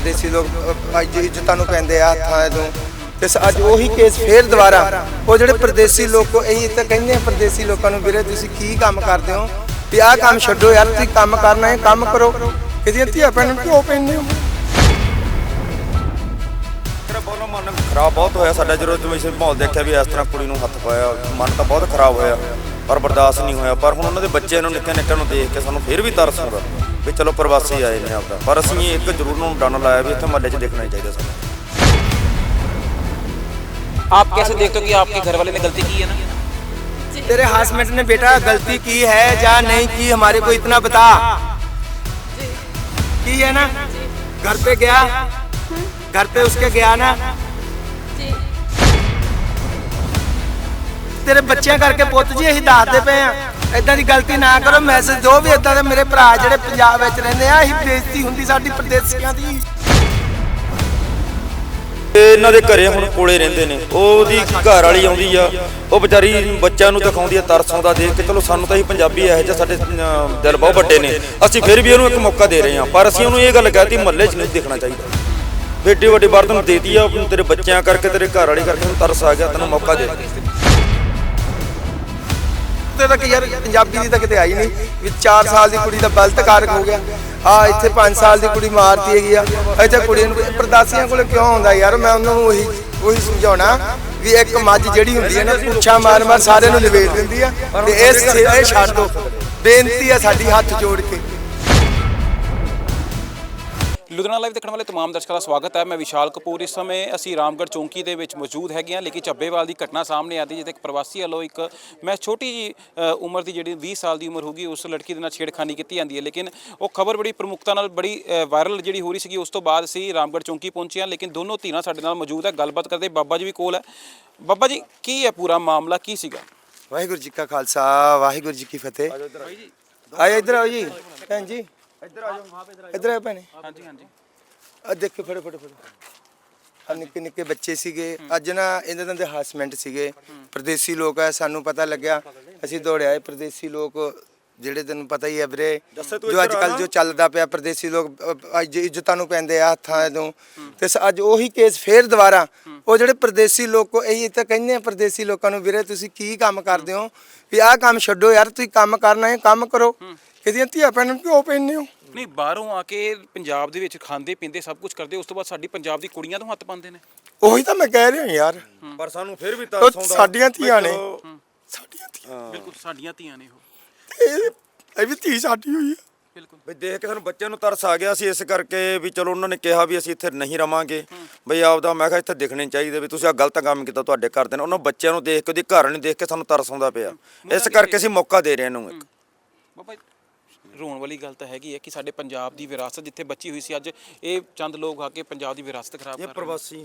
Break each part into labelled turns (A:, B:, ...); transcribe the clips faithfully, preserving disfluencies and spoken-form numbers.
A: परदेसी लोग अज इज्जतां नूं पैंदे आ हत्थां तों ते अज ਉਹੀ केस फिर दोबारा ਉਹ ਜਿਹੜੇ परदेसी लोग को ਇਹੀ ਤਾਂ ਕਹਿੰਦੇ ਆ परदेसी ਲੋਕਾਂ ਨੂੰ ਵੀਰੇ ਤੁਸੀਂ ਕੀ ਕੰਮ ਕਰਦੇ ਹੋ ਵੀ ਆਹ ਕੰਮ ਛੱਡੋ ਯਾਰ ਤੁਸੀਂ ਕੰਮ ਕਰਨਾ ਹੈ ਕੰਮ ਕਰੋ ਇਹਦੀਆਂ ਧੀਆਂ ਭੈਣਾਂ ਨੂੰ ਕਿਉਂ ਪੈਂਦੇ ਹੋ
B: ਮੇਰਾ ਬਹੁਤ ਮਨ ਖਰਾਬ ਬਹੁਤ ਹੋਇਆ ਸਾਡਾ ਜਦੋਂ ਤੁਸੀਂ ਮਾਹੌਲ ਦੇਖਿਆ ਵੀ ਇਸ ਤਰ੍ਹਾਂ ਕੁੜੀ ਨੂੰ ਹੱਥ ਪਾਇਆ ਮਨ ਤਾਂ ਬਹੁਤ ਖਰਾਬ ਹੋਇਆ ਪਰ ਬਰਦਾਸ਼ਤ ਨਹੀਂ ਹੋਇਆ ਪਰ ਹੁਣ ਉਹਨਾਂ ਦੇ ਬੱਚਿਆਂ ਨੂੰ ਨਿੱਕੇ ਨਿੱਕੇ ਨੂੰ ਦੇਖ ਕੇ ਸਾਨੂੰ ਫਿਰ ਵੀ ਤਰਸ ਆਉਂਦਾ ਵੀ ਚਲੋ ਪ੍ਰਵਾਸੀ ਆਏ ਨੇ ਆਪਦਾ ਪਰ ਅਸੀਂ ਇੱਕ ਜ਼ਰੂਰ ਨੂੰ ਡਨ ਲਾਇਆ ਵੀ ਇੱਥੇ ਮਹੱਲੇ 'ਚ ਦੇਖਣਾ ਹੀ ਚਾਹੀਦਾ ਸਾਨੂੰ।
C: आप कैसे देखते हो कि आपके घर वाले ने गलती की है ना?
A: तेरे हस्बैंड ने बेटा गलती की है या नहीं की हमारे को इतना बता की है ना घर पे गया घर पे उसके गया ना तेरे बच्चे करके पुੱਤ जी ਅਸੀਂ ਦੱਸਦੇ ਪਏ ਆ ਇਦਾਂ ਦੀ ਗਲਤੀ ਨਾ ਕਰੋ ਮੈਸੇਜ ਦਿਓ ਵੀ ਇਦਾਂ ਦੇ ਮੇਰੇ ਭਰਾ ਜਿਹੜੇ ਪੰਜਾਬ ਵਿੱਚ ਰਹਿੰਦੇ ਆ ਅਸੀਂ ਬੇਇੱਜ਼ਤੀ ਹੁੰਦੀ ਸਾਡੀ ਪ੍ਰਦੇਸੀਆਂ ਦੀ
B: ਇਹਨਾਂ ਦੇ ਘਰੇ ਹੁਣ ਕੋਲੇ ਰਹਿੰਦੇ ਨੇ ਉਹਦੀ ਘਰ ਵਾਲੀ ਆਉਂਦੀ ਆ ਉਹ ਵਿਚਾਰੀ ਬੱਚਿਆਂ ਨੂੰ ਦਿਖਾਉਂਦੀ ਆ ਤਰਸ ਆਉਂਦਾ ਦੇਖ ਕੇ ਚਲੋ ਸਾਨੂੰ ਤਾਂ ਹੀ ਪੰਜਾਬੀ ਇਹੋ ਜਿਹੇ ਸਾਡੇ ਦਿਲ ਬਹੁਤ ਵੱਡੇ ਨੇ ਅਸੀਂ ਫਿਰ ਵੀ ਉਹਨੂੰ ਇੱਕ ਮੌਕਾ ਦੇ ਰਹੇ ਹਾਂ ਪਰ ਅਸੀਂ ਉਹਨੂੰ ਇਹ ਗੱਲ ਕਹਿਤੀ ਮਹੱਲੇ 'ਚ ਨਹੀਂ ਦੇਖਣਾ ਚਾਹੀਦਾ ਏਡੀ ਵੱਡੀ ਬਾਤ ਤੈਨੂੰ ਦੇਤੀ ਆ ਤੇਰੇ ਬੱਚਿਆਂ ਕਰਕੇ ਤੇਰੇ ਘਰ ਵਾਲੀ ਕਰਕੇ ਤੈਨੂੰ ਤਰਸ ਆ ਗਿਆ ਤੈਨੂੰ ਮੌਕਾ ਦੇ
A: ਤੇ ਤਾਂ ਯਾਰ ਪੰਜਾਬੀ ਦੀ ਤਾਂ ਕਿਤੇ ਆਈ ਨਹੀਂ ਵੀ ਚਾਰ ਸਾਲ ਦੀ ਕੁੜੀ ਦਾ ਬਲਤਕਾਰ ਹੋ ਗਿਆ ਆ ਇੱਥੇ ਪੰਜ ਸਾਲ ਦੀ ਕੁੜੀ ਮਾਰਤੀ ਹੈਗੀ ਆ ਇੱਥੇ ਕੁੜੀ ਨੂੰ ਪ੍ਰਦਾਸੀਆਂ ਕੋਲ ਕਿਉਂ ਆਉਂਦਾ ਯਾਰ ਮੈਂ ਉਹਨਾਂ ਨੂੰ ਉਹੀ ਉਹੀ ਸਮਝਾਉਣਾ ਵੀ ਇੱਕ ਮੱਝ ਜਿਹੜੀ ਹੁੰਦੀ ਹੈ ਨਾ ਪੁੱਛਾਂ ਮਾਰ ਮਾਰ ਸਾਰਿਆਂ ਨੂੰ ਨਿਬੇੜ ਦਿੰਦੀ ਆ ਤੇ ਇਸ ਇਹ ਛੱਡ ਦੋ ਬੇਨਤੀ ਆ ਸਾਡੀ ਹੱਥ ਜੋੜ ਕੇ।
C: ਲੁਧਿਆਣਾ ਲਾਈਵ ਦੇਖਣ ਵਾਲੇ तमाम ਦਰਸ਼ਕਾਂ ਦਾ ਸਵਾਗਤ ਹੈ। ਮੈਂ ਵਿਸ਼ਾਲ ਕਪੂਰ ਇਸ ਸਮੇਂ ਅਸੀਂ ਰਾਮਗੜ੍ਹ ਚੌਂਕੀ ਦੇ ਵਿੱਚ ਮੌਜੂਦ ਹੈਗੇ ਹਾਂ ਲੇਕਿਨ ਚੱਬੇਵਾਲ ਦੀ ਘਟਨਾ ਸਾਹਮਣੇ ਆਦੀ ਜਿੱਥੇ ਇੱਕ ਪ੍ਰਵਾਸੀ ਵੱਲੋਂ ਇੱਕ ਮੈਂ ਛੋਟੀ ਜੀ ਉਮਰ ਦੀ ਜਿਹੜੀ ਵੀਹ ਸਾਲ ਦੀ ਉਮਰ ਹੋਗੀ ਉਸ ਲੜਕੀ ਦੇ ਨਾਲ ਛੇੜਖਾਨੀ ਕੀਤੀ ਜਾਂਦੀ ਹੈ ਲੇਕਿਨ ਉਹ ਖਬਰ ਬੜੀ ਪ੍ਰਮੁਖਤਾ ਨਾਲ ਬੜੀ ਵਾਇਰਲ ਜਿਹੜੀ ਹੋ ਰਹੀ ਸੀਗੀ ਉਸ ਤੋਂ ਬਾਅਦ ਅਸੀਂ ਰਾਮਗੜ੍ਹ ਚੌਂਕੀ ਪਹੁੰਚੇ ਹਾਂ ਲੇਕਿਨ ਦੋਨੋਂ ਧਿਰਾਂ ਸਾਡੇ ਨਾਲ ਮੌਜੂਦ ਹੈ ਗੱਲਬਾਤ ਕਰਦੇ ਬਾਬਾ ਜੀ ਵੀ ਕੋਲ ਹੈ। ਬਾਬਾ ਜੀ ਕੀ ਹੈ ਪੂਰਾ ਮਾਮਲਾ ਕੀ ਸੀਗਾ?
A: ਵਾਹਿਗੁਰੂ ਜੀ ਕਾ ਖਾਲਸਾ ਵਾਹਿਗੁਰੂ ਜੀ ਕੀ ਫਤਿਹ। ਆਏ ਇੱਧਰ ਆਓ ਜੀ ਭੈਣ ਜੀ ਇੱਧਰ ਆ ਜਾਓ ਇੱਧਰ ਆਓ ਭੈਣੇ।
C: ਹਾਂਜੀ ਹਾਂਜੀ
A: ਆ ਦੇਖੋ ਫੜੋ ਫੜੋ ਫੜੋ ਆ ਨਿੱਕੇ ਨਿੱਕੇ ਬੱਚੇ ਸੀਗੇ ਅੱਜ ਨਾ ਇਹਨਾਂ ਦੇ ਹਸਬੈਂਡ ਸੀਗੇ ਪ੍ਰਦੇਸੀ ਲੋਕ ਆ ਸਾਨੂੰ ਪਤਾ ਲੱਗਿਆ ਅਸੀਂ ਦੌੜਿਆ ਆਏ ਪ੍ਰਦੇਸੀ ਲੋਕ ਜਿਹੜੇ ਤੈਨੂੰ ਪਤਾ ਹੀ ਹੈ ਵੀਰੇ ਜੋ ਅੱਜ ਕੱਲ ਜੋ ਚੱਲਦਾ ਪਿਆ ਪ੍ਰਦੇਸੀ ਲੋਕ ਅੱਜ ਇੱਜ਼ਤਾਂ ਨੂੰ ਪੈਂਦੇ ਆ ਹੱਥਾਂ ਤੋਂ ਤੇ ਅੱਜ ਉਹੀ ਕੇਸ ਫੇਰ ਦੁਬਾਰਾ ਉਹ ਜਿਹੜੇ ਪ੍ਰਦੇਸੀ ਲੋਕ ਇਹੀ ਤਾਂ ਕਹਿੰਦੇ ਆ ਪ੍ਰਦੇਸੀ ਲੋਕਾਂ ਨੂੰ ਵੀਰੇ ਤੁਸੀਂ ਕੀ ਕੰਮ ਕਰਦੇ ਹੋ ਵੀ ਆਹ ਕੰਮ ਛੱਡੋ ਯਾਰ ਤੁਸੀਂ ਕੰਮ ਕਰਨਾ ਹੈ ਕੰਮ ਕਰੋ ਇਹਦੀਆਂ ਧੀਆਂ ਭੈਣਾਂ ਨੂੰ ਕਿਉਂ ਪੈਂਦੇ ਹੋ?
C: ਨਹੀਂ ਬਾਹਰੋਂ ਆ ਕੇ ਪੰਜਾਬ ਦੇ ਵਿੱਚ ਖਾਂਦੇ ਪੀਂਦੇ ਸਭ ਕੁਝ ਕਰਦੇ ਉਸ ਤੋਂ ਬਾਅਦ ਸਾਡੀ ਪੰਜਾਬ ਦੀ ਕੁੜੀਆਂ ਤੋਂ ਹੱਥ ਪਾਉਂਦੇ ਨੇ
A: ਉਹੀ ਤਾਂ ਮੈਂ ਕਹਿ ਰਿਹਾ ਯਾਰ
B: ਪਰ ਸਾਨੂੰ ਫਿਰ ਵੀ ਤਰਸ ਆਉਂਦਾ
A: ਸਾਡੀਆਂ ਧੀਆਂ ਨੇ ਸਾਡੀਆਂ ਧੀਆਂ
C: ਬਿਲਕੁਲ ਸਾਡੀਆਂ ਧੀਆਂ ਨੇ ਉਹ
A: ਇਹ ਇਹ ਵੀ ਧੀ ਸਾਡੀ ਹੋਈ ਹੈ
C: ਬਿਲਕੁਲ
B: ਵੀ ਦੇਖ ਕੇ ਸਾਨੂੰ ਬੱਚਿਆਂ ਨੂੰ ਤਰਸ ਆ ਗਿਆ ਸੀ ਇਸ ਕਰਕੇ ਵੀ ਚਲੋ ਉਹਨਾਂ ਨੇ ਕਿਹਾ ਵੀ ਅਸੀਂ ਇੱਥੇ ਨਹੀਂ ਰਵਾਂਗੇ ਬਈ ਆਪਦਾ ਮੈਂ ਕਿਹਾ ਇੱਥੇ ਦਿਖਣੇ ਚਾਹੀਦੇ ਵੀ ਤੁਸੀਂ ਆ ਗਲਤ ਕੰਮ ਕੀਤਾ ਤੁਹਾਡੇ ਘਰ ਦੇ ਨੇ ਉਹਨਾਂ ਬੱਚਿਆਂ ਨੂੰ ਦੇਖ ਕੇ ਉਹਦੀ ਘਰ ਨੂੰ ਦੇਖ ਕੇ ਸਾਨੂੰ ਤਰਸ ਆਉਂਦਾ ਪਿਆ ਇਸ ਕਰਕੇ ਅਸੀਂ ਮੌਕਾ ਦੇ ਰਹੇ ਇਹਨੂੰ ਇੱਕ।
C: ਬਾਬਾ ਰੋਣ ਵਾਲੀ ਗੱਲ ਤਾਂ ਹੈਗੀ ਹੈ ਕਿ ਸਾਡੇ ਪੰਜਾਬ ਦੀ ਵਿਰਾਸਤ ਜਿੱਥੇ ਬਚੀ ਹੋਈ ਸੀ ਅੱਜ ਇਹ ਚੰਦ ਲੋਕ ਆ ਕੇ ਪੰਜਾਬ ਦੀ ਵਿਰਾਸਤ ਖਰਾਬ ਕਰ ਰਹੇ ਨੇ।
B: ਪ੍ਰਵਾਸੀ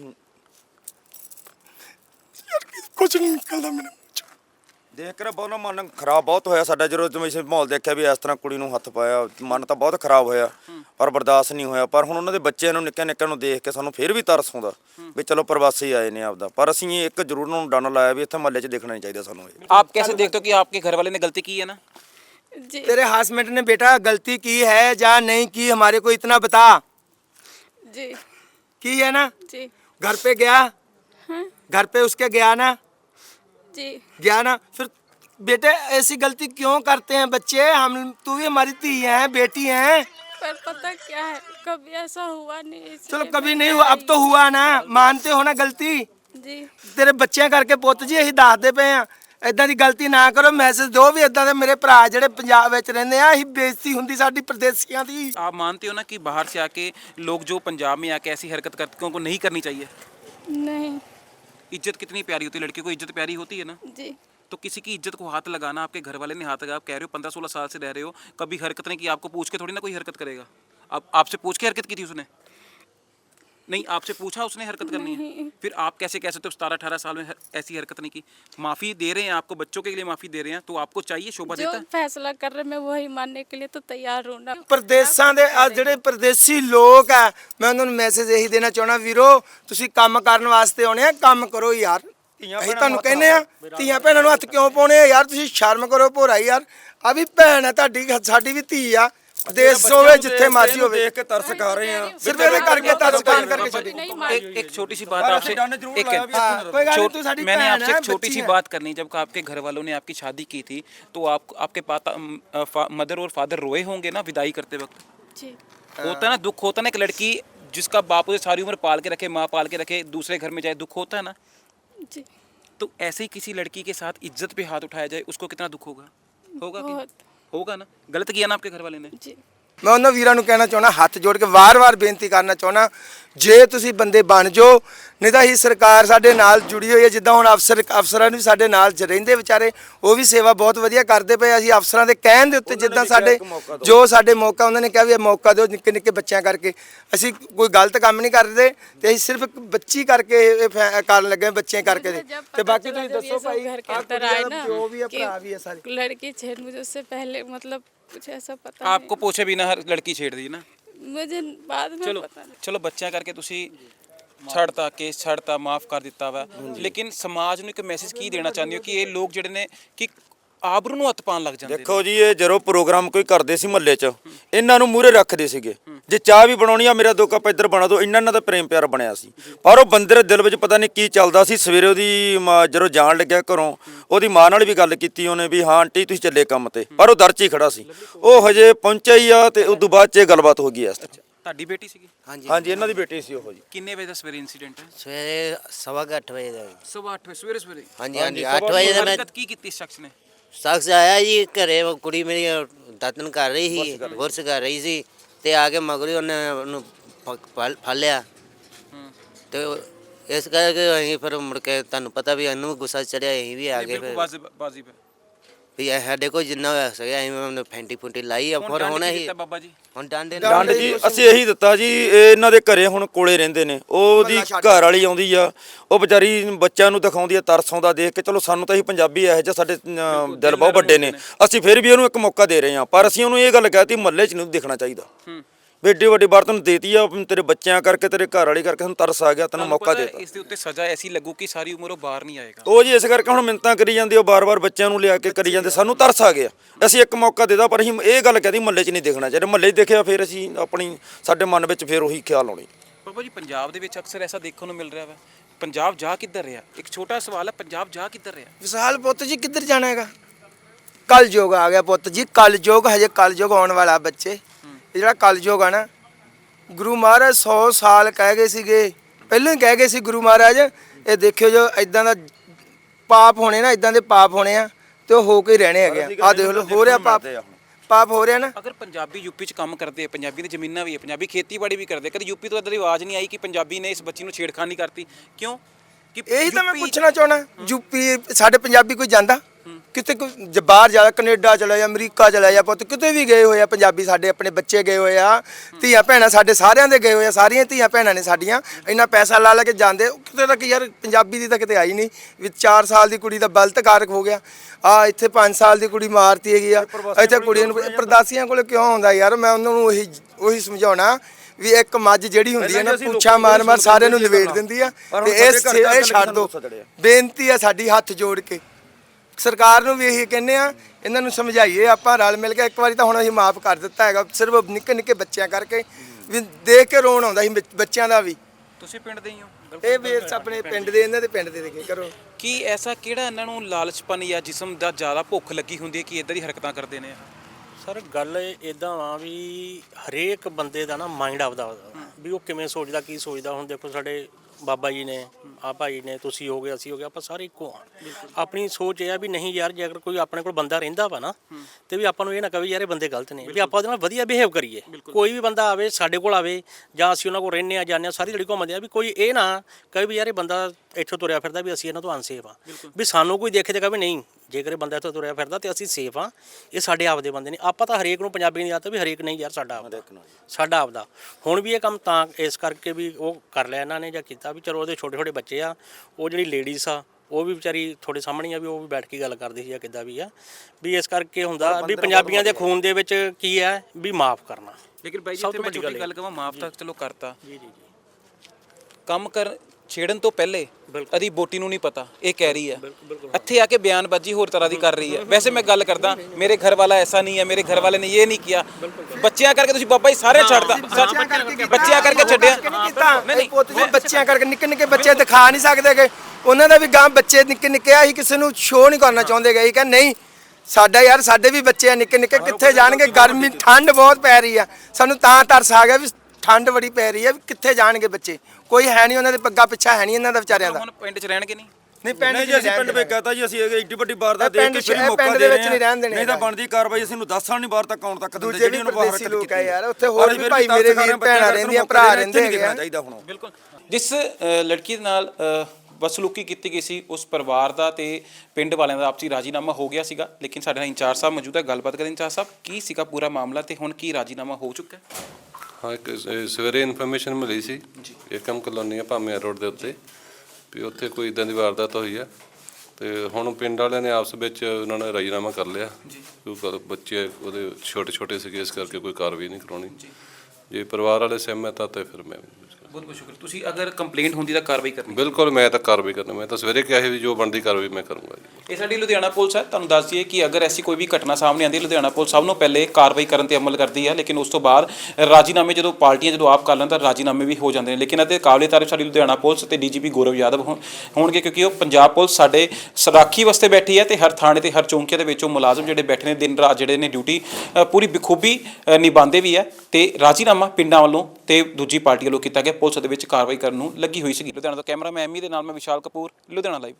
A: ਕੁਝ ਨਹੀਂ ਨਿਕਲਦਾ ਮੇਰੇ ਮੂੰਹ ਚੋਂ
B: ਦੇਖ ਕੇ ਬਹੁਤ ਮਨ ਖਰਾਬ ਬਹੁਤ ਹੋਇਆ ਸਾਡਾ ਜਦੋਂ ਤੁਸੀਂ ਮਾਹੌਲ ਦੇਖਿਆ ਵੀ ਇਸ ਤਰ੍ਹਾਂ ਕੁੜੀ ਨੂੰ ਹੱਥ ਪਾਇਆ ਮਨ ਤਾਂ ਬਹੁਤ ਖਰਾਬ ਹੋਇਆ ਪਰ ਬਰਦਾਸ਼ਤ ਨਹੀਂ ਹੋਇਆ ਪਰ ਹੁਣ ਉਹਨਾਂ ਦੇ ਬੱਚਿਆਂ ਨੂੰ ਨਿੱਕੇ ਨਿੱਕੇ ਨੂੰ ਦੇਖ ਕੇ ਸਾਨੂੰ ਫਿਰ ਵੀ ਤਰਸ ਆਉਂਦਾ ਵੀ ਚਲੋ ਪ੍ਰਵਾਸੀ ਆਏ ਨੇ ਆਪਦਾ ਪਰ ਅਸੀਂ ਇੱਕ ਜ਼ਰੂਰ ਨੂੰ ਡਨ ਲਾਇਆ ਵੀ ਇੱਥੇ ਮਹੱਲੇ 'ਚ ਦੇਖਣਾ ਹੀ ਚਾਹੀਦਾ ਸਾਨੂੰ।
C: आप कैसे देखते हो कि आपके घर वाले ने गलती की है ना?
A: तेरे हस्बैंड ने बेटा गलती की है या नहीं की हमारे को इतना बता
D: जी
A: की है ना
D: जी
A: घर पे गया
D: हाँ?
A: घर पे उसके गया ना
D: जी
A: गया ना फिर बेटे ऐसी गलती क्यों करते हैं बच्चे हम तू भी हमारी धी है बेटी है
D: पर पता क्या है कभी ऐसा हुआ नहीं इसलिए
A: चलो कभी
D: मैं
A: नहीं हुआ अब तो हुआ ना मानते हो ना गलती
D: जी
A: तेरे बच्चे करके पुੱਤ जी ਅਸੀਂ ਦੱਸਦੇ ਪਏ ਆ ਇਦਾਂ ਦੀ ਗਲਤੀ ਨਾ ਕਰੋ ਮੈਸੇਜ ਦਿਓ ਵੀ ਇਦਾਂ ਦੇ ਮੇਰੇ ਭਰਾ ਜਿਹੜੇ ਪੰਜਾਬ ਵਿੱਚ ਰਹਿੰਦੇ ਆ ਅਸੀਂ ਬੇਇੱਜ਼ਤੀ ਹੁੰਦੀ ਸਾਡੀ ਪ੍ਰਦੇਸੀਆਂ ਦੀ।
C: आप मानते हो ना कि बाहर से आके लोग जो पंजाब में आके ऐसी हरकत करते हैं उनको नहीं करनी चाहिए?
D: नहीं
C: इज्जत कितनी प्यारी होती है लड़की को इज्जत प्यारी होती है ना
D: जी
C: तो किसी की इज्जत को हाथ लगाना आपके घर वाले ने हाथ लगाया आप कह रहे हो पंद्रह सोलह साल से रह रहे हो कभी हरकत नहीं की आपको पूछ के थोड़ी ना कोई हरकत करेगा आप आपसे पूछ के हरकत की थी उसने नहीं आपसे पूछा उसने हरकत करनी है फिर आप कैसे कह सकते हो सतारह अठारह साल में ऐसी हरकत नहीं की माफ़ी दे रहे हैं आपको बच्चों के लिए माफ़ी दे रहे हैं तो आपको चाहिए शोभा
D: जो
C: देता है
D: फैसला कर रहे मैं वही मानने के लिए तो तैयार हूँ ना।
A: ਪ੍ਰਦੇਸਾਂ ਦੇ ਆ ਜਿਹੜੇ ਪ੍ਰਦੇਸੀ ਲੋਕ ਆ ਮੈਂ ਉਹਨਾਂ ਨੂੰ ਮੈਸੇਜ ਇਹੀ ਦੇਣਾ ਚਾਹਣਾ ਵੀਰੋ ਤੁਸੀਂ ਕੰਮ ਕਰਨ ਵਾਸਤੇ ਆਉਣੇ ਆ ਕੰਮ ਕਰੋ ਯਾਰ ਅਸੀਂ ਤੁਹਾਨੂੰ ਕਹਿੰਦੇ ਆ ਧੀਆਂ ਭੈਣਾਂ ਨੂੰ ਹੱਥ ਕਿਉਂ ਪਾਉਣੇ ਆ ਯਾਰ ਤੁਸੀਂ ਸ਼ਰਮ ਕਰੋ ਭੋਰਾ ਯਾਰ ਆ ਵੀ ਭੈਣ ਆ ਤੁਹਾਡੀ ਸਾਡੀ ਵੀ ਧੀ ਆ ਦੇਸ਼ ਹੋਵੇ ਜਿੱਥੇ ਮਰਜ਼ੀ ਹੋਵੇ
B: ਦੇਖ ਕੇ ਤਰਸ ਖਾ ਰਹੇ ਆ
A: ਸਿਰਫ ਇਹਦੇ ਕਰਕੇ ਤਰਸ ਖਾਣ ਕਰਕੇ ਛੱਡੀ
D: नहीं मार
C: एक एक छोटी सी बात आपसे एक
A: कोई गाली
C: छोट-
A: तू साडी
C: मैंने
A: भैन
C: आपसे
A: है,
C: एक छोटी
A: बच्ची
C: सी
A: है।
C: बात करनी जब आपके घर वालों ने आपकी शादी की थी तो आप आपके पाता मदर और फादर रोए होंगे ना विदाई करते वक्त
D: जी
C: होता है ना दुख होता है ना एक लड़की जिसका बाप उसे सारी उम्र पाल के रखे माँ पाल के रखे दूसरे घर में जाए दुख होता है ना
D: जी
C: तो ऐसे ही किसी लड़की के साथ इज्जत पे हाथ उठाया जाए उसको कितना दुख होगा होगा कि
D: बहुत
C: होगा ना गलत किया ना आपके घर वाले ने
D: जी
A: ਮੈਂ ਉਹਨਾਂ ਵੀਰਾਂ ਨੂੰ ਕਹਿਣਾ ਚਾਹੁੰਦਾ ਹੱਥ ਜੋੜ ਕੇ ਵਾਰ-ਵਾਰ ਬੇਨਤੀ ਕਰਨਾ ਚਾਹੁੰਦਾ ਜੇ ਤੁਸੀਂ ਬੰਦੇ ਬਣ ਜਾਓ ਨਹੀਂ ਤਾਂ ਹੀ ਸਰਕਾਰ ਸਾਡੇ ਨਾਲ ਜੁੜੀ ਹੋਈ ਹੈ ਜਿੱਦਾਂ ਹੁਣ ਅਫਸਰ ਅਫਸਰਾਂ ਨੂੰ ਵੀ ਸਾਡੇ ਨਾਲ ਜ ਰਹਿੰਦੇ ਵਿਚਾਰੇ ਉਹ ਵੀ ਸੇਵਾ ਬਹੁਤ ਵਧੀਆ ਕਰਦੇ ਪਏ ਅਸੀਂ ਅਫਸਰਾਂ ਦੇ ਕਹਿਣ ਦੇ ਉੱਤੇ ਜਿੱਦਾਂ ਸਾਡੇ ਜੋ ਸਾਡੇ ਮੌਕਾ ਉਹਨਾਂ ਨੇ ਕਿਹਾ ਵੀ ਇਹ ਮੌਕਾ ਦਿਓ ਨਿੱਕੇ ਨਿੱਕੇ ਬੱਚਿਆਂ ਕਰਕੇ ਅਸੀਂ ਕੋਈ ਗਲਤ ਕੰਮ ਨਹੀਂ ਕਰਦੇ ਤੇ ਅਸੀਂ ਸਿਰਫ ਇੱਕ ਬੱਚੀ ਕਰਕੇ ਇਹ ਫੈ- ਕਰਨ ਲੱਗੇ ਹਾਂ, ਬੱਚਿਆਂ ਕਰਕੇ ਦੇ।
D: जब
A: ਤੇ
D: पता
A: ਬਾਕੀ
D: चला
A: ਤੁਸੀਂ
D: जब ये
A: ਦੱਸੋ
D: सब
A: ਭਾਈ
D: घर के
A: ਆਹ
D: अंदर
A: ਕੁੜੀ
D: आए
A: ਦਾ
D: ना
A: ਪਿਓ ਵੀ ਹੈ
D: कि
A: ਭਰਾ ਵੀ ਹੈ ਸਾਰੇ
D: लड़की छेड़ मुझे उससे पहले मतलब कुछ ऐसा पता
C: आपको पूछे बिना हर लड़की छेड़ दी ना
D: नहीं मुझे बाद में
C: ਚਲੋ
D: पता नहीं
C: ਚਲੋ ਬੱਚਿਆਂ ਕਰਕੇ ਤੁਸੀਂ ਛੱਡਤਾ ਕੇਸ ਛੱਡਤਾ ਮਾਫ ਕਰ ਦਿੱਤਾ ਵਾ ਲੇਕਿਨ ਸਮਾਜ ਨੂੰ ਇੱਕ ਮੈਸੇਜ ਕੀ ਦੇਣਾ ਚਾਹੁੰਦੇ ਹੋ ਕਿ ਇਹ ਲੋਕ ਜਿਹੜੇ ਨੇ ਕਿ ਆਬਰੂ ਨੂੰ ਹੱਥ ਪਾਉਣ ਲੱਗ ਜਾਂਦੇ ਨੇ
B: ਦੇਖੋ ਜੀ ਇਹ ਜਦੋਂ ਪ੍ਰੋਗਰਾਮ ਕੋਈ ਕਰਦੇ ਸੀ ਮਹੱਲੇ 'ਚ ਇਹਨਾਂ ਨੂੰ ਮੂਹਰੇ ਰੱਖਦੇ ਸੀਗੇ ਜੇ ਚਾਹ ਵੀ ਬਣਾਉਣੀ ਆ ਮੇਰਾ ਦੋ ਕੱਪ ਇੱਧਰ ਬਣਾ ਦਿਓ ਇਹਨਾਂ ਨਾਲ ਤਾਂ ਪ੍ਰੇਮ ਪਿਆਰ ਬਣਿਆ ਸੀ ਪਰ ਉਹ ਬੰਦੇ ਦੇ ਦਿਲ ਵਿੱਚ ਪਤਾ ਨਹੀਂ ਕੀ ਚੱਲਦਾ ਸੀ ਸਵੇਰੇ ਉਹਦੀ ਮਾਂ ਜਦੋਂ ਜਾਣ ਲੱਗਿਆ ਘਰੋਂ ਉਹਦੀ ਮਾਂ ਨਾਲ ਵੀ ਗੱਲ ਕੀਤੀ ਉਹਨੇ ਵੀ ਹਾਂ ਆਂਟੀ ਤੁਸੀਂ ਚੱਲੇ ਕੰਮ ਤੇ ਪਰ ਉਹ ਦਰ 'ਚ ਹੀ ਖੜਾ ਸੀ ਉਹ ਹਜੇ ਪਹੁੰਚਿਆ ਹੀ ਆ ਤੇ ਉਸ ਤੋਂ ਬਾਅਦ 'ਚ ਇਹ ਗੱਲਬਾਤ ਹੋ ਗਈ ਇਸ ਤਰ੍ਹਾਂ
C: ਤੁਹਾਡੀ ਬੇਟੀ ਸੀਗੀ
E: ਹਾਂਜੀ
B: ਹਾਂਜੀ ਇਹਨਾਂ ਦੀ ਬੇਟੀ ਸੀ ਉਹ ਜੀ
C: ਕਿੰਨੇ ਵਜੇ ਦਾ ਸਵੇਰੇ ਇਨਸੀਡੈਂਟ ਹੈ
E: ਸਵੇਰੇ ਸਵਾ ਕੁ ਅੱਠ ਵਜੇ ਦਾ ਜੀ।
C: ਸਵੇਰ ਅੱਠ ਵਜੇ ਸਵੇਰੇ ਸਵੇਰੇ
E: ਹਾਂਜੀ ਹਾਂਜੀ ਅੱਠ ਵਜੇ ਦਾ ਮੈਂ
C: ਹਰਕਤ ਕੀ ਕੀਤੀ ਇਸ ਸ਼ਖਸ ਨੇ
E: ਸ਼ਖਸ ਆਇਆ ਜੀ ਘਰੇ ਉਹ ਕੁੜੀ ਮੇਰੀ ਦਾਤਨ ਕਰ ਰਹੀ ਸੀ ਗੁਰਸ ਕਰ ਰਹੀ ਸੀ ਤੇ ਆ ਕੇ ਮਗਰੀ ਉਹਨੇ ਉਹਨੂੰ ਫ- ਫੜ ਫੜ ਲਿਆ
C: ਹੂੰ
E: ਤੇ ਉਹ- ਇਸ ਕਰਕੇ ਅਸੀਂ ਫਿਰ ਮੁੜ ਕੇ ਤੁਹਾਨੂੰ ਪਤਾ ਵੀ ਇਹਨੂੰ ਵੀ ਗੁੱਸਾ ਚੜਿਆ ਅਸੀਂ ਵੀ ਆ ਗਏ
C: ਬਿਲਕੁਲ
E: ਫਿਰ
C: ਵਾਜਿਬ ਵਾਜਿਬ ਹੈ
E: ਵੀ ਇਹ ਸਾਡੇ ਕੋਲ ਜਿੰਨਾ ਹੋਇਆ ਸਕਿਆ ਅਸੀਂ ਉਹਨੂੰ ਫੈਂਟੀ ਫੁੰਟੀ ਲਾਈ ਆ
C: ਹੁਣ
E: ਫਿਰ
C: ਡੰਡ
E: ਹੁਣ
C: ਕੀ
E: ਅਸੀਂ
C: ਦਿੱਤਾ ਬਾਬਾ ਜੀ
E: ਹੁਣ ਡਾਂਡੇ
B: ਡੰਡ ਜੀ ਅਸੀਂ ਇਹੀ ਦਿੱਤਾ ਜੀ ਇਹ ਇਹਨਾਂ ਦੇ ਘਰੇ ਹੁਣ ਕੋਲੇ ਰਹਿੰਦੇ ਨੇ ਉਹਦੀ ਘਰ ਵਾਲੀ ਆਉਂਦੀ ਆ ਉਹ ਵਿਚਾਰੀ ਬੱਚਿਆਂ ਨੂੰ ਦਿਖਾਉਂਦੀ ਆ ਤਰਸ ਆਉਂਦਾ ਦੇਖ ਕੇ ਚਲੋ ਸਾਨੂੰ ਤਾਂ ਅਸੀਂ ਪੰਜਾਬੀ ਇਹੋ ਜਿਹੇ ਸਾਡੇ ਅਮ, ਦਿਲ ਬਹੁਤ ਵੱਡੇ ਨੇ ਅਸੀਂ ਫਿਰ ਵੀ ਉਹਨੂੰ ਇੱਕ ਮੌਕਾ ਦੇ ਰਹੇ ਹਾਂ ਪਰ ਅਸੀਂ ਉਹਨੂੰ ਇਹ ਗੱਲ ਕਹਿਤੀ ਮਹੱਲੇ 'ਚ ਨਹੀਂ ਦਿਖਣਾ ਚਾਹੀਦਾ
C: ਹੂੰ
B: ਵੀ ਏਡੀ ਵੱਡੀ ਬਾਤ ਤੈਨੂੰ ਦੇਤੀ ਆ ਤੇਰੇ ਬੱਚਿਆਂ ਕਰਕੇ ਤੇਰੇ ਘਰ ਵਾਲੀ ਕਰਕੇ ਸਾਨੂੰ ਤਰਸ ਆ ਗਿਆ ਤੈਨੂੰ ਮੌਕਾ
C: ਪਤਾ ਹੈ,
B: ਦੇਤਾ
C: ਇਸ ਦੇ ਉੱਤੇ ਸਜ਼ਾ ਐਸੀ ਲੱਗੂ ਕਿ ਸਾਰੀ ਉਮਰ ਉਹ ਬਾਹਰ ਨਹੀਂ ਆਏਗਾ
B: ਉਹ ਜੀ ਇਸ ਕਰਕੇ ਹੁਣ ਮਿੰਤਾਂ ਕਰੀ ਜਾਂਦੀ ਉਹ ਬਾਰ-ਬਾਰ ਬੱਚਿਆਂ ਨੂੰ ਲਿਆ ਕੇ ਕਰੀ ਜਾਂਦੇ ਸਾਨੂੰ ਤਰਸ ਆ ਗਿਆ ਅਸੀਂ ਇੱਕ ਮੌਕਾ ਦੇਦਾ ਪਰ ਅਸੀਂ ਇਹ ਗੱਲ ਕਹਦੀ ਮਹੱਲੇ 'ਚ ਨਹੀਂ ਦਿਖਣਾ ਚਾਹੀਦਾ ਮਹੱਲੇ 'ਚ ਦੇਖਿਆ ਫਿਰ ਅਸੀਂ ਆਪਣੀ ਸਾਡੇ ਮਨ ਵਿੱਚ ਫਿਰ ਉਹੀ ਖਿਆਲ ਆਉਣੀ
C: ਬਾਬਾ ਜੀ ਪੰਜਾਬ ਦੇ ਵਿੱਚ ਅਕਸਰ ਐਸਾ ਦੇਖਣ ਨੂੰ ਮਿਲ ਰਿਹਾ ਵਾ ਪੰਜਾਬ ਜਾ ਕਿੱਧਰ ਰਿਹਾ ਇੱਕ ਛੋਟਾ ਸਵਾਲ ਹੈ ਪੰਜਾਬ ਜਾ ਕਿੱਧਰ ਰਿਹਾ
A: ਵਿਸ਼ਾਲ ਪੁੱਤ ਜੀ ਕਿੱਧਰ ਜਾਣਾ ਹੈਗਾ ਕਲ ਯੁਗ ਆ ਗਿਆ ਪੁੱਤ ਜੀ ਕਲ ਯੁਗ ਹਜੇ ਕਲ ਯੁਗ ਆਉਣ ਵਾਲਾ ਬੱਚੇ ਇਹ ਜਿਹੜਾ ਕਲ ਯੁਗ ਆ ਨਾ ਗੁਰੂ ਮਹਾਰਾਜ ਸੌ ਸਾਲ ਕਹਿ ਗਏ ਸੀਗੇ ਪਹਿਲਾਂ ਹੀ ਕਹਿ ਗਏ ਸੀ ਗੁਰੂ ਮਹਾਰਾਜ ਇਹ ਦੇਖਿਓ ਜੋ ਇਦਾਂ ਦਾ ਪਾਪ ਹੋਣੇ ਨਾ ਇਦਾਂ ਦੇ ਪਾਪ ਹੋਣੇ ਆ ਤੇ ਉਹ ਹੋ ਕੇ ਹੀ ਰਹਿਣੇ ਹੈਗੇ ਆ ਆਹ ਦੇਖ ਲਓ ਹੋ ਰਿਹਾ ਪਾਪ ਪਾਪ ਹੋ ਰਿਹਾ ਨਾ
C: ਅਗਰ ਪੰਜਾਬੀ ਯੂਪੀ 'ਚ ਕੰਮ ਕਰਦੇ ਆ ਪੰਜਾਬੀ ਦੀ ਜ਼ਮੀਨਾਂ ਵੀ ਹੈ ਪੰਜਾਬੀ ਖੇਤੀਬਾੜੀ ਵੀ ਕਰਦੇ ਕਦੇ ਯੂਪੀ ਤੋਂ ਇਦਾਂ ਦੀ ਆਵਾਜ਼ ਨਹੀਂ ਆਈ ਕਿ ਪੰਜਾਬੀ ਨੇ ਇਸ ਬੱਚੀ ਨੂੰ ਛੇੜਖਾਨੀ ਕਰਤੀ ਕਿਉਂ ਕਿ
A: ਇਹੀ ਤਾਂ ਮੈਂ
C: ਯੂਪੀ
A: ਪੁੱਛਣਾ ਚਾਹਣਾ ਯੂਪੀ ਸਾਡੇ ਪੰਜਾਬੀ ਕੋਈ ਜਾਂਦਾ ਕਿਤੇ ਕੋਈ ਜ- ਬਾਹਰ ਜਾ ਕੈਨੇਡਾ ਚਲਾ ਜਾ ਅਮਰੀਕਾ ਚਲਾ ਜਾ ਪੁੱਤ ਕਿਤੇ ਵੀ ਗਏ ਹੋਏ ਆ ਪੰਜਾਬੀ ਸਾਡੇ ਆਪਣੇ ਬੱਚੇ ਗਏ ਹੋਏ ਆ ਧੀਆਂ ਭੈਣਾਂ ਸਾਡੇ ਸਾਰਿਆਂ ਦੇ ਗਏ ਹੋਏ ਆ ਸਾਰੀਆਂ ਧੀਆਂ ਭੈਣਾਂ ਨੇ ਸਾਡੀਆਂ ਇੰਨਾ ਪੈਸਾ ਲਾ ਲਾ ਕੇ ਜਾਂਦੇ ਉਹ ਕਿਤੇ ਤੱਕ ਯਾਰ ਪੰਜਾਬੀ ਦੀ ਤਾਂ ਕਿਤੇ ਆਈ ਨਹੀਂ ਵੀ ਚਾਰ ਸਾਲ ਦੀ ਕੁੜੀ ਦਾ ਬਲਤਕਾਰਕ ਹੋ ਗਿਆ ਆ ਇੱਥੇ ਪੰਜ ਸਾਲ ਦੀ ਕੁੜੀ ਮਾਰਤੀ ਹੈਗੀ ਆ ਇੱਥੇ ਕੁੜੀਆਂ ਨੂੰ ਪ੍ਰਦਾਸੀਆਂ ਕੋਲ ਕਿਉਂ ਆਉਂਦਾ ਯਾਰ ਮੈਂ ਉਹਨਾਂ ਨੂੰ ਉਹੀ ਉਹੀ ਸਮਝਾਉਣਾ ਵੀ ਇੱਕ ਮੱਝ ਜਿਹੜੀ ਹੁੰਦੀ ਹੈ ਨਾ ਪੁੱਛਾ ਮਾਰ ਮਾਰ ਸਾਰਿਆਂ ਨੂੰ ਨਿਬੇੜ ਦਿੰਦੀ ਆ ਤੇ ਇਹ ਇਹ ਛੱਡ ਦੋ ਬੇਨਤੀ ਆ ਸਾਡੀ ਹੱਥ ਜੋੜ ਕੇ ਸਰਕਾਰ ਨੂੰ ਵੀ ਇਹੀ ਕਹਿੰਦੇ ਆ ਇਹਨਾਂ ਨੂੰ ਸਮਝਾਈਏ ਆਪਾਂ ਰਲ ਮਿਲ ਕੇ ਇੱਕ ਵਾਰੀ ਤਾਂ ਹੁਣ ਅਸੀਂ ਮਾਫ ਕਰ ਦਿੱਤਾ ਹੈਗਾ ਸਿਰਫ ਨਿੱਕੇ ਨਿੱਕੇ ਬੱਚਿਆਂ ਕਰਕੇ ਵੀ ਦੇਖ ਕੇ ਰੋਣ ਆਉਂਦਾ ਸੀ ਬੱਚ- ਬੱਚਿਆਂ ਦਾ ਵੀ
C: ਤੁਸੀਂ ਪਿੰਡ ਦੇ ਹੀ ਹੋ
A: ਇਹ ਵੇਰਸ ਆਪਣੇ ਪਿੰਡ ਦੇ ਇਹਨਾਂ ਦੇ ਪਿੰਡ ਦੇ ਦੇਖੇ ਕਰੋ
C: ਕੀ ਐਸਾ ਕਿਹੜਾ ਇਹਨਾਂ ਨੂੰ ਲਾਲਚਪਨ ਜਾਂ ਜਿਸਮ ਦਾ ਜ਼ਿਆਦਾ ਭੁੱਖ ਲੱਗੀ ਹੁੰਦੀ ਹੈ ਕਿ ਇਦਾਂ ਦੀ ਹਰਕਤਾਂ ਕਰਦੇ ਨੇ
F: ਸਰ ਗੱਲ ਇਦਾਂ ਵਾ ਵੀ ਹਰੇਕ ਬੰਦੇ ਦਾ ਨਾ ਮਾਈਂਡ ਆਪਦਾ ਵੀ ਉਹ ਕਿਵੇਂ ਸੋਚਦਾ ਕੀ ਸੋਚਦਾ ਹੁਣ ਦੇਖੋ ਸਾਡੇ ਬਾਬਾ ਜੀ ਨੇ ਆ ਭਾਈ ਨੇ ਤੁਸੀਂ ਹੋ ਗਏ ਅਸੀਂ ਹੋ ਗਏ ਆਪਾਂ ਸਾਰੇ ਇੱਕੋ ਆ ਆਪਣੀ ਸੋਚ ਇਹ ਆ ਵੀ ਨਹੀਂ ਯਾਰ ਜੇ ਅਗਰ ਕੋਈ ਆਪਣੇ ਕੋਲ ਬੰਦਾ ਰਹਿੰਦਾ ਵਾ ਨਾ ਤੇ ਵੀ ਆਪਾਂ ਨੂੰ ਇਹ ਨਾ ਕਹੇ ਯਾਰ ਇਹ ਬੰਦੇ ਗਲਤ ਨੇ ਵੀ ਆਪਾਂ ਉਹਦੇ ਨਾਲ ਵਧੀਆ ਬਿਹੇਵ ਕਰੀਏ ਕੋਈ ਵੀ ਬੰਦਾ ਆਵੇ ਸਾਡੇ ਕੋਲ ਆਵੇ ਜਾਂ ਅਸੀਂ ਉਹਨਾਂ ਕੋਲ ਰਹਿੰਦੇ ਆ ਜਾਂਦੇ ਆ ਸਾਰੀ ਜਿਹੜੀ ਘੁੰਮਦੇ ਆ ਵੀ ਕੋਈ ਇਹ ਨਾ ਕਹੇ ਵੀ ਯਾਰ ਇਹ ਬੰਦਾ ਇੱਥੋਂ ਤੁਰਿਆ ਫਿਰਦਾ ਵੀ ਅਸੀਂ ਇਹਨਾਂ ਤੋਂ ਅਨਸੇਫ ਆ ਵੀ ਸਾਨੂੰ ਕੋਈ ਦੇਖੇ ਤੇ ਕਹੇ ਨਹੀਂ ਜੇਕਰ ਇਹ ਬੰਦਾ ਇੱਥੋਂ ਤੁਰਿਆ ਫਿਰਦਾ ਤੇ ਅਸੀਂ ਸੇਫ ਆ ਇਹ ਸਾਡੇ ਆਪਦੇ ਬੰਦੇ ਨੇ ਆਪਾਂ ਤਾਂ ਹਰੇਕ ਨੂੰ ਪੰਜਾਬੀ ਨਹੀਂ ਆਤਾ ਵੀ ਹਰੇਕ ਨਹੀਂ ਯਾਰ ਸਾਡਾ ਆਪਦਾ ਸਾਡਾ ਆਪਦਾ ਹੁਣ ਵੀ ਇਹ ਕੰਮ ਤਾਂ ਇਸ ਕਰਕੇ ਵੀ ਉਹ ਕਰ ਲਿਆ ਇਹਨਾਂ ਨੇ ਜਾਂ ਕੀਤਾ ਵੀ ਚਲੋ ਉਹਦੇ ਛੋਟੇ ਛੋਟੇ ਬੱਚੇ ਆ ਉਹ ਜਿਹੜੀ ਲੇਡੀਜ਼ ਆ ਉਹ ਵੀ ਵਿਚਾਰੀ ਤੁਹਾਡੇ ਸਾਹਮਣੇ ਆ ਵੀ ਉਹ ਵੀ ਬੈਠ ਕੇ ਗੱਲ ਕਰਦੀ ਸੀ ਜਾਂ ਕਿੱਦਾਂ ਵੀ ਆ ਵੀ ਇਸ ਕਰਕੇ ਹੁੰਦਾ ਵੀ ਪੰਜਾਬੀਆਂ ਦੇ ਖੂਨ ਦੇ ਵਿੱਚ ਕੀ ਹੈ ਵੀ ਮਾਫ ਕਰਨਾ
C: ਲੇਕਿਨ ਬਾਈ ਜੀ
F: ਸਭ
C: ਇੱਥੇ
F: ਤੋਂ
C: ਮੈਂ
F: ਵੱਡੀ
C: ਛੋਟੀ
F: ਗੱਲ
C: ਗੱਲ ਕਹਾਂ ਮਾਫ ਤਾਂ ਚਲੋ ਕਰਤਾ
F: ਜੀ ਜੀ ਜੀ
C: ਕੰਮ ਕਰ ਛੇੜਨ ਤੋਂ ਪਹਿਲੇ ਅਦੀ ਬੋਟੀ ਨੂੰ ਨਹੀਂ ਪਤਾ ਇਹ ਕਹਿ ਰਹੀ ਹੈ, ਇੱਥੇ ਆ ਕੇ ਬਿਆਨਬਾਜ਼ੀ ਹੋਰ ਤਰ੍ਹਾਂ ਦੀ ਕਰ ਰਹੀ ਹੈ। ਵੈਸੇ ਮੈਂ ਗੱਲ ਕਰਦਾ, ਮੇਰੇ ਘਰ ਵਾਲਾ ਐਸਾ ਨਹੀਂ ਹੈ, ਮੇਰੇ ਘਰ ਵਾਲੇ ਨੇ ਇਹ ਨਹੀਂ ਕੀਤਾ, ਬੱਚਿਆਂ ਕਰਕੇ ਤੁਸੀਂ ਬਾਬਾ ਜੀ ਸਾਰੇ ਛੱਡਦਾ, ਬੱਚਿਆਂ ਕਰਕੇ ਛੱਡਿਆ
A: ਨਹੀਂ ਨਹੀਂ ਬੱਚਿਆਂ ਕਰਕੇ ਨਿੱਕੇ ਨਿੱਕੇ ਬੱਚੇ ਦਿਖਾ ਨਹੀਂ ਸਕਦੇ ਕਿ ਉਹਨਾਂ ਦਾ ਵੀ ਗਾਂ ਬੱਚੇ ਨਿੱਕੇ ਨਿੱਕੇ ਆ, ਅਸੀਂ ਕਿਸੇ ਨੂੰ ਸ਼ੋਅ ਨਹੀਂ ਕਰਨਾ ਚਾਹੁੰਦੇ ਗਏ ਕਿ ਨਹੀਂ ਸਾਡਾ ਯਾਰ ਸਾਡੇ ਵੀ ਬੱਚੇ ਆ ਨਿੱਕੇ ਨਿੱਕੇ, ਕਿੱਥੇ ਜਾਣਗੇ? ਗਰਮੀ ਠੰਡ ਬਹੁਤ ਪੈ ਰਹੀ ਆ, ਸਾਨੂੰ ਤਾਂ ਤਰਸ ਆ ਗਿਆ ਵੀ ਠੰਡ ਬੜੀ ਪੈ ਰਹੀ ਆ, ਵੀ ਕਿੱਥੇ ਜਾਣਗੇ ਬੱਚੇ? ਕੋਈ ਹੈ ਨਹੀਂ ਉਹਨਾਂ ਦੇ ਪੱਗਾ ਪਿੱਛਾ ਹੈ ਨਹੀਂ ਇਹਨਾਂ ਦਾ ਵਿਚਾਰਿਆਂ ਦਾ।
C: ਹੁਣ ਪਿੰਡ 'ਚ ਰਹਿਣਗੇ ਨਹੀਂ?
A: ਨਹੀਂ ਪਿੰਡ
B: ਨਹੀਂ
A: ਚ
B: ਜੀ ਅਸੀਂ ਪਿੰਡ ਵਿੱਚ ਕਹਤਾ ਜੀ ਅਸੀਂ ਏਡੀ ਵੱਡੀ ਵਾਰਦਾਤ ਦੇਖ
A: ਪਿੰਡ
B: ਕੇ
A: ਚ-
B: ਫਿਰ
A: ਇਹ
B: ਮੌਕਾ
A: ਪਿੰਡ
B: ਦੇ
A: ਦੇ ਵਿੱਚ
B: ਰਹੇ
A: ਨਹੀਂ ਰਹਿਣ
B: ਹਾਂ।
A: ਦੇਣੇ
B: ਨਹੀਂ ਤਾਂ
A: ਹੈਗਾ।
B: ਬਣਦੀ ਕਾਰਵਾਈ ਅਸੀਂ ਨੂੰ ਦੱਸਣ ਨਹੀਂ ਬਾਹਰ ਤੱਕ ਆਉਣ ਤੱਕ ਦਿੰਦੇ
A: ਦੂਜੇ ਵੀ
B: ਜਿਹੜੀ ਉਹਨੂੰ ਬਾਹਰ
A: ਪਰਦੇਸੀ
B: ਹਰਕਤ
A: ਲੋਕ
B: ਕੀਤੀ
A: ਆ ਯਾਰ, ਉੱਥੇ ਹੋਰ
B: ਔਰ
A: ਵੀ ਭਾਈ ਮੇਰੇ ਵੀਰ ਭੈਣਾਂ ਰਹਿੰਦੀਆਂ, ਭਰਾ ਰਹਿੰਦੇ ਹੈਗੇ ਆ।
B: ਚਾਹੀਦਾ ਹੁਣ
C: ਬਿਲਕੁਲ। ਜਿਸ ਅ, ਲੜਕੀ ਦੇ ਨਾਲ ਅ, ਬਦਸਲੂਕੀ ਕੀਤੀ ਗਈ ਸੀ, ਉਸ ਪਰਿਵਾਰ ਦਾ ਤੇ ਪਿੰਡ ਵਾਲਿਆਂ ਦਾ ਆਪਸੀ ਰਾਜੀਨਾਮਾ ਹੋ ਗਿਆ ਸੀਗਾ, ਲੇਕਿਨ ਸਾਡੇ ਨਾਲ ਇੰਚਾਰਜ ਸਾਹਿਬ ਮੌਜੂਦ ਹੈ, ਗੱਲਬਾਤ ਕਰਦੇ। ਇੰਚਾਰਜ ਸਾਹਿਬ, ਕੀ ਸੀਗਾ ਪੂਰਾ ਮਾਮਲਾ ਤੇ ਹੁਣ ਕੀ ਰਾਜੀਨਾਮਾ ਹੋ ਚੁੱਕਾ ਹੈ?
G: ਹਾਂ, ਇੱਕ ਸ- ਸਵੇਰੇ ਇਨਫੋਰਮੇਸ਼ਨ ਮਿਲੀ ਸੀ ਏਕਮ ਕਲੋਨੀ ਆ ਭਾਮਿਆ ਰੋਡ ਦੇ ਉੱਤੇ ਵੀ ਉੱਥੇ ਕੋਈ ਇਦਾਂ ਦੀ ਵਾਰਦਾਤ ਹੋਈ ਆ, ਤੇ ਹੁਣ ਪਿੰਡ ਵਾਲਿਆਂ ਨੇ ਆਪਸ ਵਿੱਚ ਉਹਨਾਂ ਨੇ ਰਾਜੀਨਾਮਾ ਕਰ ਲਿਆ ਕਿਉਂਕਿ ਬੱਚੇ ਉਹਦੇ ਛੋਟੇ ਛੋਟੇ ਸੀਗੇ, ਇਸ ਕਰਕੇ ਕੋਈ ਕਾਰਵਾਈ ਨਹੀਂ ਕਰਾਉਣੀ। ਜੇ ਪਰਿਵਾਰ ਵਾਲੇ ਸਹਿਮਤ ਆ ਤਾਂ ਫਿਰ ਮੈਂ
C: ਬਹੁਤ ਬਹੁਤ ਸ਼ੁਕਰ। ਤੁਸੀਂ ਅਗਰ ਕੰਪਲੇਂਟ ਹੁੰਦੀ ਤਾਂ ਕਾਰਵਾਈ ਕਰਨੀ?
G: ਬਿਲਕੁਲ, ਮੈਂ ਤਾਂ ਕਾਰਵਾਈ ਕਰਨੀ, ਮੈਂ ਤਾਂ ਸਵੇਰੇ ਕਿਹਾ ਸੀ ਵੀ ਜੋ ਬਣਦੀ ਕਾਰਵਾਈ ਮੈਂ ਕਰੂੰਗਾ ਜੀ।
C: ਇਹ ਸਾਡੀ ਲੁਧਿਆਣਾ ਪੁਲਿਸ ਹੈ, ਤੁਹਾਨੂੰ ਦੱਸ ਦਈਏ ਕਿ ਅਗਰ ਐਸੀ ਕੋਈ ਵੀ ਘਟਨਾ ਸਾਹਮਣੇ ਆਉਂਦੀ ਹੈ, ਲੁਧਿਆਣਾ ਪੁਲਿਸ ਸਭ ਨੂੰ ਪਹਿਲੇ ਕਾਰਵਾਈ ਕਰਨ ਤੇ ਅਮਲ ਕਰਦੀ ਹੈ, ਲੇਕਿਨ ਉਸ ਤੋਂ ਬਾਅਦ ਰਾਜੀਨਾਮੇ ਜਦੋਂ ਪਾਰਟੀਆਂ ਜਦੋਂ ਆਪ ਕਰ ਲੈਣ ਤਾਂ ਰਾਜੀਨਾਮੇ ਵੀ ਹੋ ਜਾਂਦੇ ਨੇ। ਲੇਕਿਨ ਅਤੇ ਕਾਬਲੇ ਤਾਰੀਫ ਸਾਡੀ ਲੁਧਿਆਣਾ ਪੁਲਿਸ ਤੇ ਡੀਜੀਪੀ ਗੌਰਵ ਯਾਦਵ ਹੋਣ- ਹੋਣਗੇ, ਕਿਉਂਕਿ ਉਹ ਪੰਜਾਬ ਪੁਲਿਸ ਸਾਡੇ ਸਰਾਖੀ ਵਾਸਤੇ ਬੈਠੀ ਹੈ ਤੇ ਹਰ ਥਾਣੇ ਤੇ ਹਰ ਚੌਂਕੀਆਂ ਦੇ ਵਿੱਚ ਉਹ ਮੁਲਾਜ਼ਮ ਜਿਹੜੇ ਬੈਠੇ ਨੇ ਦਿਨ ਰਾਤ ਜਿਹੜੇ ਨੇ ਡਿਊਟੀ ਅ, ਪੂਰੀ ਬਖੂਬੀ ਅ, ਨਿਭਾਉਂਦੇ ਵੀ ਹੈ। ਤੇ ਰਾਜੀਨਾਮਾ ਪਿੰਡਾਂ ਵੱਲੋਂ ਤੇ ਦੂਜੀ ਪਾਰਟੀ ਵੱਲੋਂ ਕੀਤਾ ਗਿਆ, ਪੁਲਿਸ ਦੇ ਵਿੱਚ ਕਾਰਵਾਈ ਕਰਨ ਨੂੰ ਲੱਗੀ ਹੋਈ ਸੀਗੀ। ਲੁਧਿਆਣਾ ਤੋਂ ਕੈਮਰਾਮੈਨ ਐਮੀ ਦੇ ਨਾਲ ਮੈਂ ਵਿਸ਼ਾਲ ਕਪੂਰ, ਲੁਧਿਆਣਾ ਲਾਈਵ।